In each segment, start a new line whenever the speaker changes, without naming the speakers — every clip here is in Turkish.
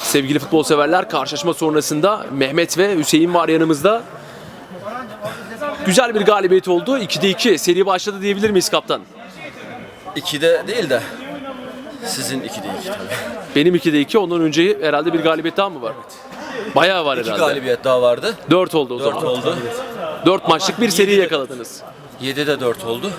Sevgili futbol severler, karşılaşma sonrasında Mehmet ve Hüseyin var yanımızda. Güzel bir galibiyet oldu. 2'de 2 seri başladı diyebilir miyiz kaptan?
2'de değil de sizin 2'de 2 tabii.
Benim 2'de 2, ondan önce herhalde bir galibiyet daha mı var? Bayağı var
2
herhalde.
galibiyet daha vardı.
4 oldu o
4
zaman.
oldu.
4 maçlık bir seri yakaladınız.
7'de 4 oldu.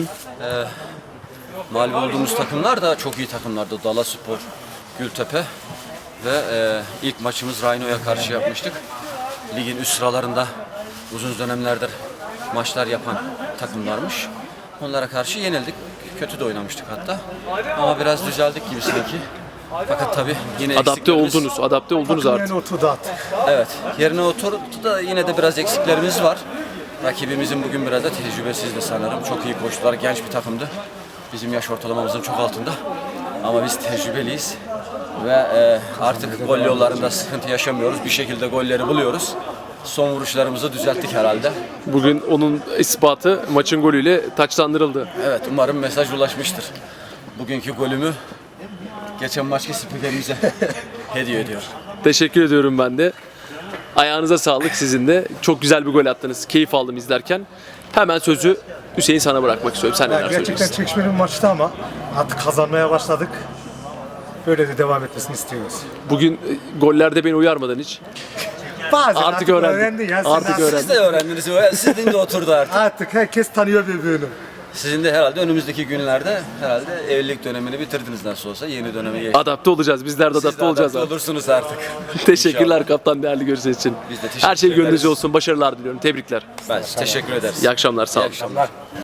Mağlup olduğumuz takımlar da çok iyi takımlardı. Dalaspor, Gültepe ve ilk maçımız Rhino'ya karşı yapmıştık. Ligin üst sıralarında uzun dönemlerdir maçlar yapan takımlarmış. Onlara karşı yenildik. Kötü de oynamıştık hatta. Ama biraz düzeldik gibi sanki. Fakat tabii yine
Adapte oldunuz artık.
Yerine oturdu artık.
Evet, yerine oturdu da yine de biraz eksiklerimiz var. Rakibimizin bugün biraz da tecrübesizdi sanırım. Çok iyi koştular, genç bir takımdı. Bizim yaş ortalamamızın çok altında. Ama biz tecrübeliyiz. Ve artık gol yollarında sıkıntı yaşamıyoruz. Bir şekilde golleri buluyoruz. Son vuruşlarımızı düzelttik herhalde.
Bugün onun ispatı maçın golüyle taçlandırıldı.
Evet, umarım mesaj ulaşmıştır. Bugünkü golümü geçen maçki spikerimize hediye ediyor.
Teşekkür ediyorum ben de. Ayağınıza sağlık sizin de. Çok güzel bir gol attınız. Keyif aldım izlerken. Hemen sözü Hüseyin sana bırakmak istiyorum. Sen neler
Gerçekten
söylüyorsun?
çekişmeli bir maçtı ama artık kazanmaya başladık. Böyle de devam etmesini istiyoruz.
Bugün gollerde beni uyarmadın hiç.
Bazen
Artık öğrendim.
öğrendin ya. Sen
Artık öğrendim.
Siz de öğrendiniz, sizin de oturdu artık.
Artık herkes tanıyor birbirini.
Sizin de herhalde önümüzdeki günlerde herhalde evlilik dönemini bitirdiniz nasıl olsa yeni döneme geçtiniz.
Adapte olacağız. Bizler de
Siz de
adapte olacağız.
adapte olursunuz artık.
Teşekkürler
İnşallah.
kaptan, değerli görüşler için.
Biz de teşekkür
Her şey gönlünüzce
ederiz.
olsun. Başarılar diliyorum. Tebrikler.
Ben teşekkür ederiz.
İyi akşamlar. Sağ
İyi
olun.
akşamlar.